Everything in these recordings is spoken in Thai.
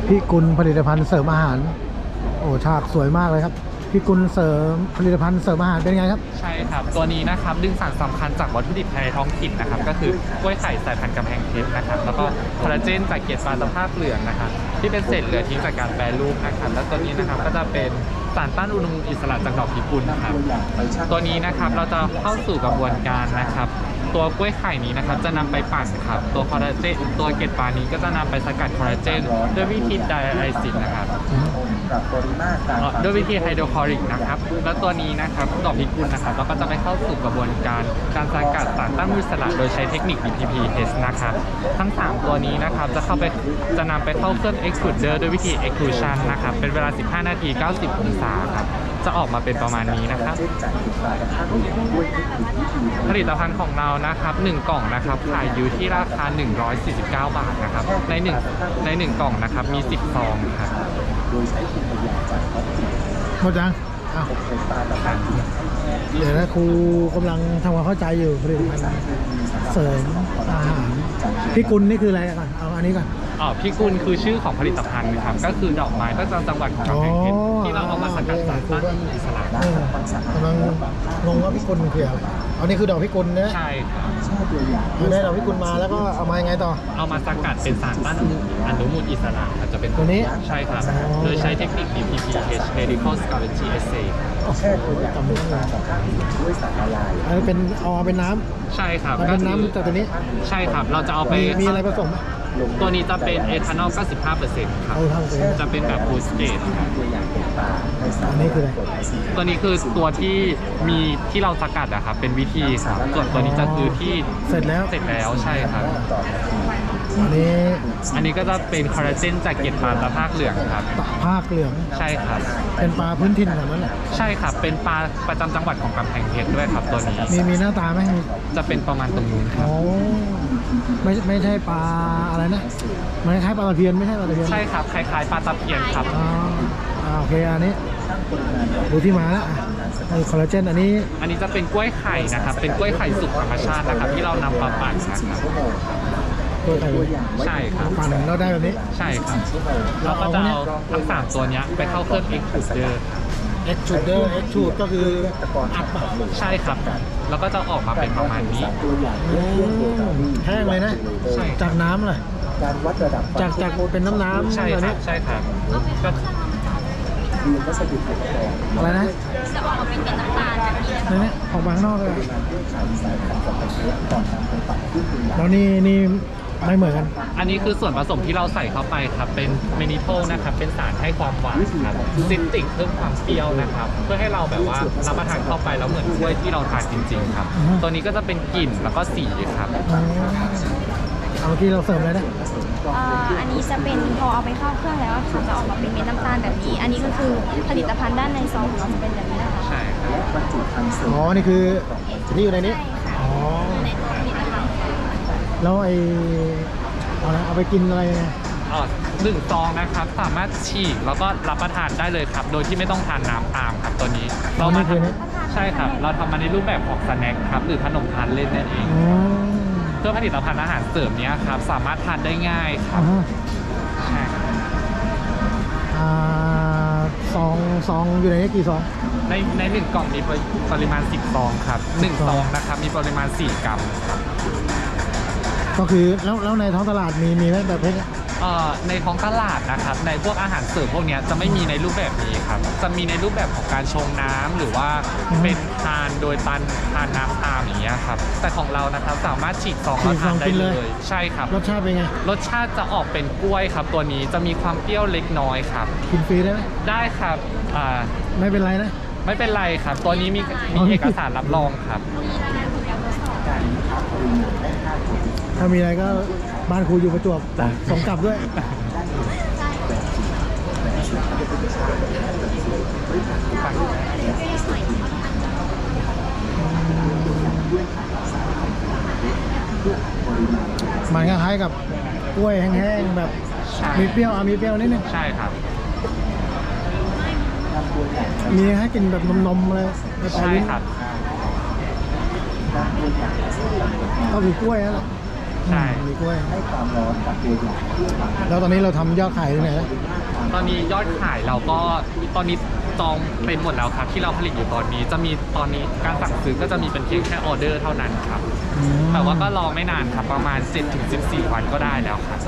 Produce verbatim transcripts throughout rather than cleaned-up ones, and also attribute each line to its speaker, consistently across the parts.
Speaker 1: พี่กุลผลิตภัณฑ์เสริมอาหารโอ้ฉากสวยมากเลยครับพี่กุลเสริมผลิตภัณฑ์เสริมอาหารเป็นไงครับ
Speaker 2: ใช่ครับตัวนี้นะครับดึงสารสำคัญจากวัตถุดิบภายในท้องถิ่นนะครับก็คือกล้วยไข่สายพันธุ์กำแพงเพชรนะครับแล้วก็คอลลาเจนจากเกล็ดปลาตะภาพเหลืองนะครับที่เป็นเศษเหลือทิ้งจากการแปรรูปนะครับแล้วตัวนี้นะครับก็จะเป็นสารต้านอนุมูลอิสระจากดอกพิกุลนะครับตัวนี้นะครับเราจะเข้าสู่กระบวนการนะครับตัวกล้วยไข่นี้นะครับจะนำไปปั่นครับตัวคอลลาเจนตัวเกล็ดปลานี้ก็จะนำไปสกัดคอลลาเจนด้วยวิธีไดอะไลซิสนะครับด้วยวิธีไฮโดรคลอริกนะครับแล้วตัวนี้นะครับดอกพิกุลนะครับเราก็จะไปเข้าสู่กระบวนการการสกัดสารต้านอนุมูลอิสระโดยใช้เทคนิค บี ที พี Test นะครับทั้งสามตัวนี้นะครับจะเข้าไปจะนำไปเข้าเครื่อง Extruder ด้วยวิธี Extrusion นะครับเป็นเวลาสิบห้านาทีเก้าสิบองศาครับจะออกมาเป็นประมาณนี้นะครับผลิตภัณฑ์ของเรานะครับหนึ่งกล่องนะครับขายอยู่ที่ราคาหนึ่งร้อยสี่สิบเก้าบาทนะครับในหนึ่งในหนึ่งกล่องนะครับมีสิบซองครับ
Speaker 1: หมดยังอ้าวเดี๋ยวนะครูกำลังทำความเข้าใจอยู่ผลิตภัณฑ์เสริมอาหารพี่กุลนี่คืออะไรก่อนเอาอันนี้ก่อน
Speaker 2: อ๋อพี่กุลคือชื่อของผลิตภัณฑ์ครับก็คือดอกไม้ประจำจังหวัดของกำแพงเพชรที่เราเอามาสกัดสารต้านอนุมูลอิสระ
Speaker 1: กำลังงงว่าพี่กุลมันคืออะไรอันนี้คือดอกพิกุลนะ
Speaker 2: ใช่ครับ
Speaker 1: ได้ดอกพิกุลมาแล้วก็เอามายังไงต่อ
Speaker 2: เอามาสกัดเป็นสารต้านอนุมูลอิสระอาจจะเป็น
Speaker 1: ตัวนี้
Speaker 2: ใช่ครับโดยใช้เทคนิค บี ที พี H Helical Scavenger Assay
Speaker 1: แค่ตัวจำไม่ได้ด้วยสารละลายอันนี้เป็นเอาเป็นน้ำ
Speaker 2: ใช่ครับ
Speaker 1: เป็นน้ำจากตัวนี้
Speaker 2: ใช่ครับเราจะเอาไป
Speaker 1: มีอะไรผสมไหม
Speaker 2: ตัวนี้จะเป็นเอทานอล เก้าสิบห้าเปอร์เซ็นต์ ครับจะเป็นแบบฟูลสเตท
Speaker 1: อันนี้คืออะไร
Speaker 2: ตัวนี้คือตัวที่มีที่เราสกัดอะครับเป็นวิธีครับส่วนตัวนี้จะคือที่
Speaker 1: เสร็จแล้ว
Speaker 2: เสร็จแล้วใช่ครับ
Speaker 1: อันนี้
Speaker 2: อันนี้ก็จะเป็นคอลลาเจนจากเกล็ดปลาตะภาคเหลืองครับ
Speaker 1: ตะภาคเหลือง
Speaker 2: ใช่ครับ
Speaker 1: เป็นปลาพื้นถิ่นแบบนั้นแหละ
Speaker 2: ใช่ครับเป็นปลาประจำจังหวัดของกำแพงเพชรด้วยครับตัวนี้
Speaker 1: มีมีหน้าตาไหม
Speaker 2: จะเป็นประมาณตรงนู้นครับ
Speaker 1: โอ้ไม่ไม่ใช่ปลาอะไรนะมันคล้ายปลาตะเพียนไม่ใช่ปลาตะเพียน
Speaker 2: ใช่ครับคล้ายๆปลาตะเพียนครับ
Speaker 1: อ๋อโอเคอันนี้ดูที่มาแล้วคอลลาเจนอันนี้
Speaker 2: อันนี้จะเป็นกล้วยไข่นะครับเป็นกล้วยไข่สุกธรรมชาตินะครับที่เรานำมาปั่นนะครับ
Speaker 1: กล้วยไข่
Speaker 2: ใช่ครับ
Speaker 1: ปั่นเราได้แบบนี้
Speaker 2: ใช่ครับเราก็จะเอาทั้งสามตัวนี้ไปเข้าเครื่อง Extruder
Speaker 1: Extruder Extrude ก็คืออัดปะ
Speaker 2: ใช่ครับแล้วก็จะออกมาเป็นประมาณนี้
Speaker 1: แห้งเลยนะจากน้ำเลยจากจากเป็นน้ำน้ำ
Speaker 2: ใช่ครับใช่ครับก็
Speaker 1: อะไรนะ
Speaker 3: จะออกมาเป็นน้ำตาลแบบนี้
Speaker 1: นี่นี่ออกมาข้างนอกเลยแล้วนี่นี่ไม่เหมือนกัน
Speaker 2: อันนี้คือส่วนผสมที่เราใส่เข้าไปครับเป็นเมนิโทลนะครับเป็นสารให้ความหวานครับซิตริกเพิ่มความเปรี้ยวนะครับเพื่อให้เราแบบว่ารับประทานเข้าไปแล้วเหมือนกล้วยที่เราทานจริงๆครับตัวนี้ก็จะเป็นกลิ่นแล้วก็สีครับ
Speaker 1: เอาที่เราเสริมเลยนะ
Speaker 3: อันนี้จะเป็นพอเอาไปเข้าเครื่องแล้วค่ะจะออกมาเป็นเม็ดน้ำตาลแบบนี้อันนี้ก็คือผลิตภัณฑ์ด้านในซองของเราจะเป็นแบบนี้นะคะ
Speaker 2: ใช่ครับ
Speaker 1: อ๋อนี่คือที่อยู่ในนี้อ๋อแล้วไอเอาละเอาไปกินอะไรไง
Speaker 2: อ๋อหนึ่งซองนะครับสามารถฉีกแล้วก็รับประทานได้เลยครับโดยที่ไม่ต้องทานน้ำตามครับตัวนี้เรามาทำใช่ครับเราทำมาในรูปแบบของสแน็คครับหรือขนมทานเล่นนั่นเองเพื่อผลิตภัณฑ์อาหารเสริมนี้ครับสามารถทานได้ง่ายครับใช่
Speaker 1: ซองซองอยู่ในนี้กี่ซอง
Speaker 2: ในในหนึ่งกล่องมีปริมาณสิบซองครับหนึ่งซองนะครับมีปริมาณสี่กรัมครับ
Speaker 1: ก็คือแล้วแล้วในท้องตลาดมีมีไหมแบบนี้
Speaker 2: ในท้องตลาดนะครับในพวกอาหารเสริมพวกนี้จะไม่มีในรูปแบบนี้ครับจะมีในรูปแบบของการชงน้ำหรือว่าเป็นทานโดยตันทานน้ำตามอย่างเงี้ยครับแต่ของเรานะครับสามารถฉีกซองแล้วทานได้เลยใช่ครับ
Speaker 1: รสชาติเป็นไง
Speaker 2: รสชาติจะออกเป็นกล้วยครับตัวนี้จะมีความเปรี้ยวเล็กน้อยครับ
Speaker 1: กินฟรีได้ไหม
Speaker 2: ได้ครับอ่า
Speaker 1: ไม่เป็นไรนะ
Speaker 2: ไม่เป็นไรครับตัวนี้มีมีเอกสารรับรองครับ
Speaker 1: ถ้ามีอะไรก็บ้านครูอยู่ประจวบส่งกลับด้วยมันคล้ายๆกับกล้วยแห้งๆแบบมีเปรี้ยวอ่ะมีเปรี้ยวนิดนึง
Speaker 2: ใช่ครับ
Speaker 1: มีให้กินแบบนมๆเลย
Speaker 2: ใช่ครับ
Speaker 1: ก็คือกล้วยนั่นแหละ
Speaker 2: ใช่
Speaker 1: มีกล้วยแล้วตอนนี้เราทำยอดขายที่ไหนแล้ว
Speaker 2: ตอนนี้ยอดขายเราก็ตอนนี้จองเต็มหมดแล้วครับที่เราผลิตอยู่ตอนนี้จะมีตอนนี้การสั่งซื้อก็จะมีเป็นเพียงแค่ออเดอร์เท่านั้นครับ
Speaker 1: อืม
Speaker 2: แต่ว่าก็รอไม่นานครับประมาณ เจ็ดถึงสิบสี่ วันก็ได้แล้วครับ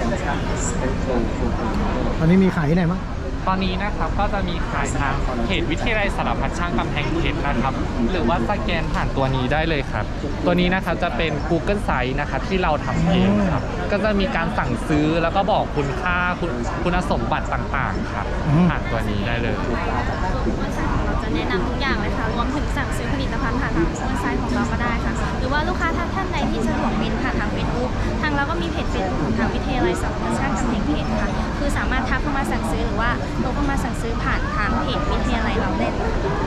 Speaker 1: ตอนนี้มีขายที่ไหนมั้ง
Speaker 2: ตอนนี้นะครับก็จะมีขายทางเพจวิทยาลัยสารพัดช่างกำแพงเพชรนะครับหรือว่าสแกนผ่านตัวนี้ได้เลยครับ ตัวนี้นะครับจะเป็น Google Site นะครับที่เราทำเองครับก็จะมีการสั่งซื้อแล้วก็บอกคุณค่าคุณคุณสมบัติต่างๆครับผ่านตัวนี้ได้เลย
Speaker 3: เราจะแนะนำทุกอย่างเลยค่ะ รวมถึงสั่งซื้อผลิตภัณฑ์ผ่านทางเว็บไซต์ของเราก็ได้ค่ะ หรือว่าลูกค้าท่านใดที่สะดวกเป็นผ่านทางเฟซบุ๊กทางเราก็มีเพจเฟซบุ๊กของทางวิทยาลัยสารพัดช่างกำแพงเพชรค่ะ คือสามารถทักเข้ามาสั่งซื้อหรือว่าโทรเข้ามาสั่งซื้อผ่านทางเพจวิทยาลัยเราได้เลย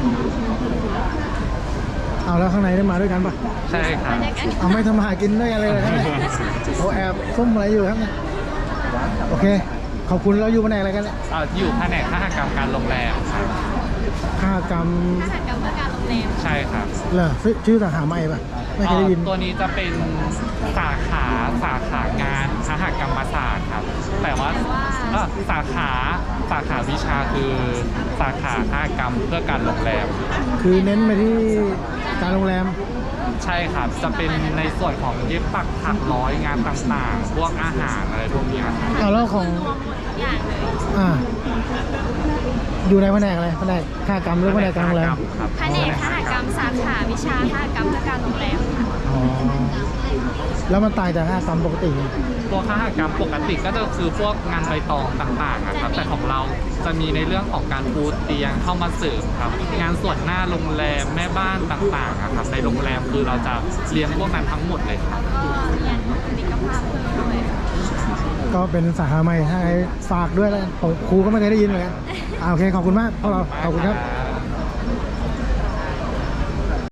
Speaker 1: เอาแล้วข้างในได้มาด้วยกันปะ
Speaker 2: ใช่ครับ
Speaker 1: เอาไม่ทำมาหากินด้วยกันเลยเหรอครับเนี่ยโอแอบซุ่มอะไรอยู่ครับเนี่ยโอเค ขอบคุณเราอยู่แผนกอะไรกันเนี่ย
Speaker 2: เอ่ออยู่แผนกคหกรรมการโรงแรมครับ
Speaker 1: ค่ากรรม
Speaker 3: อาหารกับเพื่อการโรงแรม
Speaker 2: ใช่ครับ
Speaker 1: เหรอชื่อสาขาใหม่ปะไม่เคยได้ยิน
Speaker 2: เอ่อตัวนี้จะเป็นสาขาสาขางานคหกรรมศาสตร์ครับ แต่ว่าเอ่อสาขาสาขาวิชาคือสาขาคหกรรมเพื่อการโรงแรม
Speaker 1: คือเน้นไปที่การโรงแรม
Speaker 2: ใช่ครับ จะเป็นในส่วนของเย็บปักถักร้อยงานต่างๆ พวกอาหารอะไรพวกเนี้ยครับ
Speaker 1: เอาแล้วของ
Speaker 3: รวมหมดทุกอย่างเลย
Speaker 1: อ่า อยู่ในแผนกอะไรแผนกค่ากรรมหรือแผนกการโรงแรม
Speaker 2: ครับ
Speaker 3: แผนกคหกรรมสาขาวิชาคหกรรมเพื่อการโรงแรมค่ะ
Speaker 1: อ๋อ แล้วมันต่างจากค่ากรรมปกติไง
Speaker 2: ตัวคหกรรมปกติก็จะคือพวกงานใบตองต่างๆนะครับ แต่ของเราจะมีในเรื่องของการปูเตียงเข้ามาเสริมครับ งานส่วนหน้าโรงแรมแม่บ้านต่างๆอะครับในโรงแรมคือเราจะเรียนพวกนั้นทั้งหมดเลยครับ
Speaker 3: แล้วก็เรียนบุคลิกภาพเพิ่มด้วยค่ะ
Speaker 1: ก็เป็นสาขาใหม่ให้ฝากด้วยแล้วกันผมครูก็ไม่เคยได้ยินเหมือนกันอ่าโอเค ขอบคุณมากพวกเรา ขอบคุณครับ
Speaker 2: ครับ